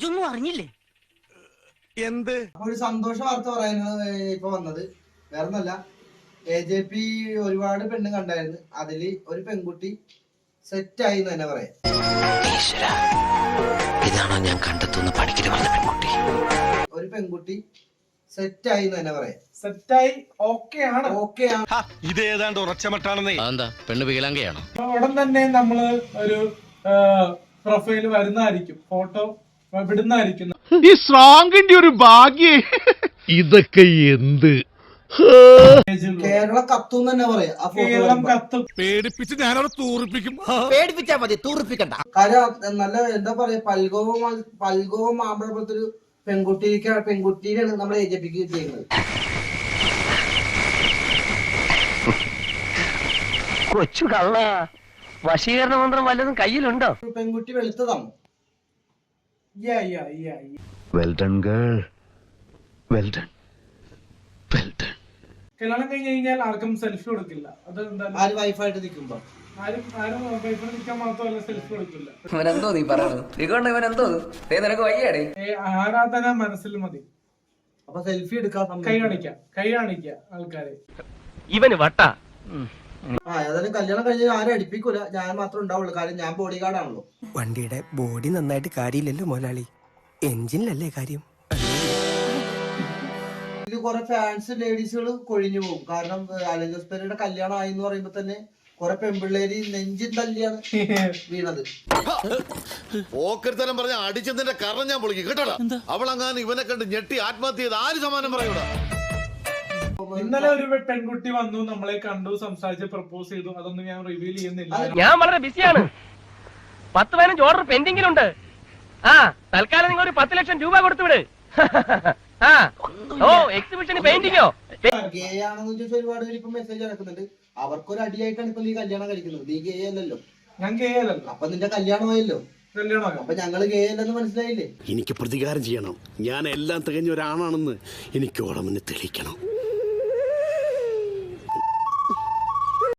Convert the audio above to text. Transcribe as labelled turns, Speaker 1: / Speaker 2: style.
Speaker 1: ഇതൊന്നും അറിഞ്ഞില്ലേ?
Speaker 2: എന്ത്
Speaker 3: ഒരു സന്തോഷ വാർത്ത പറയാനാണ് ഇപ്പൊ വന്നത്. വേറൊന്നല്ല, AJP ഒരുപാട് പെണ്ണ് കണ്ടായിരുന്നു. അതില് ഒരു പെൺകുട്ടി സെറ്റായി എന്ന് തന്നെ പറയാം.
Speaker 1: ഇതാണോ ഞാൻ കണ്ടെത്തുന്ന പഠിക്കല് പറഞ്ഞ പെൺകുട്ടി?
Speaker 3: ഒരു പെൺകുട്ടി സെറ്റായി എന്ന് തന്നെ പറയാം.
Speaker 4: സെറ്റായി ഓക്കെ ആണ്.
Speaker 2: ഇത് ഏതാണ്ട് ഉറച്ചമട്ടാണെന്നേ.
Speaker 5: എന്താ പെണ്ണ് വികലാംഗയാണോ?
Speaker 4: ഉടൻ തന്നെ നമ്മള് ഒരു പ്രൊഫൈല് വരുന്നതായിരിക്കും, ഫോട്ടോ വിടുന്നതായിരിക്കും.
Speaker 6: ഈ സ്ട്രോങ്ങിന്റെ ഒരു ഭാഗ്യേ. ഇതൊക്കെ എന്ത്
Speaker 3: കേരളം കത്തും തന്നെ പറയാം. ആ
Speaker 4: കേരളം കത്തും.
Speaker 2: പേടിപ്പിച്ച് ഞാനവിടെ തൂറിപ്പിക്കും.
Speaker 1: പേടിപ്പിച്ചാ മതി, തൂറിപ്പിക്കണ്ട.
Speaker 3: കാര്യം നല്ല എന്താ പറയാ, പൽഗോവും മാമ്പഴ പോലത്തെ ഒരു പെൺകുട്ടീനെയാണ് നമ്മുടെ AJPക്ക് കിട്ടിയിരുന്നത്.
Speaker 1: കൊച്ചു കള്ള വശീകരണ മന്ത്രം വല്ലതും കയ്യിലുണ്ടോ?
Speaker 3: പെൺകുട്ടി വെളുത്തതാണ്.
Speaker 6: Well done girl, well done, well done.
Speaker 4: കല്യാണം കഴിഞ്ഞ് കഴിഞ്ഞാൽ ആർക്കും സെൽഫി കൊടുക്കില്ല. അത് എന്തായാലും
Speaker 3: ആര് വൈഫായിട്ട് നിൽക്കുമ്പോ
Speaker 4: ആരും വൈഫിനെ നിൽക്കാൻ മാത്രമല്ല സെൽഫി കൊടുക്കില്ല.
Speaker 7: ഇവനെന്തോ നീ പറയുന്നത്? ഇവനെന്തോ നിനക്ക് വയ്യാടേ?
Speaker 4: ആരാധന മനസ്സിൽ മതി.
Speaker 3: അപ്പൊ സെൽഫി എടുക്കാൻ
Speaker 4: കൈ കാണിക്ക ആൾക്കാരെ.
Speaker 1: ഇവന് വട്ട.
Speaker 3: ഏതായാലും കല്യാണം കഴിഞ്ഞ് ആരും അടുപ്പിക്കൂല, ഞാൻ മാത്രമേ ഉണ്ടാവുള്ളൂ. കാര്യം ഞാൻ ബോഡി ഗാർഡാണല്ലോ.
Speaker 8: വണ്ടിയുടെ ബോഡി നന്നായിട്ട് കാര്യമില്ലല്ലോ മുതലാളി, എഞ്ചിനിലല്ലേ കാര്യം.
Speaker 3: ഇത് കുറെ ഫാൻസ് ലേഡീസുകൾ കൊഴിഞ്ഞു പോകും. കാരണം അലൻ ജോസ് പെരയുടെ കല്യാണം ആയി എന്ന് പറയുമ്പോ തന്നെ കുറെ പെൺപിള്ളേര് നെഞ്ചിൻ തല്ലിയാണ് വീണത്.
Speaker 9: ഓക്കരുത്തരം പറഞ്ഞ അടിച്ചതിന്റെ കാരണം ഞാൻ പൊളിക്കും കേട്ടോടാ. അവളങ്ങാൻ ഇവനെ കണ്ട് ഞെട്ടി ആത്മഹത്യ ചെയ്ത് ആര് സമാനം പറയൂടാ.
Speaker 4: ഇന്നലെ ഒരു പെൺകുട്ടി വന്നു, നമ്മളെ കണ്ടു, സംസാരിച്ച് പ്രപ്പോസ് ചെയ്തു. അതൊന്നും ഞാൻ റിവീൽ ചെയ്യുന്നില്ല.
Speaker 1: ഞാൻ വളരെ ബിസിയാണ്. 10-15 ഓർഡർ പെൻഡിങ്ങിലുണ്ട്. തൽക്കാലം നിങ്ങൾ ഒരു 10 ലക്ഷം രൂപ കൊടുത്തു വിട്. എക്സിബിഷന് പെയിന്റിങ്ങോ?
Speaker 3: ഗേ ആണെന്ന് ചോദിച്ചാൽ ഒരുപാട് പേര് ഇപ്പൊ മെസ്സേജ് നടക്കുന്നുണ്ട്. അവർക്കൊരു അടിയായിട്ടാണ് ഇപ്പൊ നീ കല്യാണം കഴിക്കുന്നത്. നീ ഗേ അല്ലല്ലോ.
Speaker 4: ഞാൻ ഗേ അല്ലല്ലോ.
Speaker 3: അപ്പൊ നിന്റെ കല്യാണമായല്ലോ. അപ്പൊ ഞങ്ങള് ഗേ അല്ലെന്ന് മനസ്സിലായില്ലേ?
Speaker 9: എനിക്ക് പ്രതികാരം ചെയ്യണം. ഞാൻ എല്ലാം തികഞ്ഞ ഒരാണാണെന്ന് എനിക്ക് ഓളമെന്ന് തെളിയിക്കണം.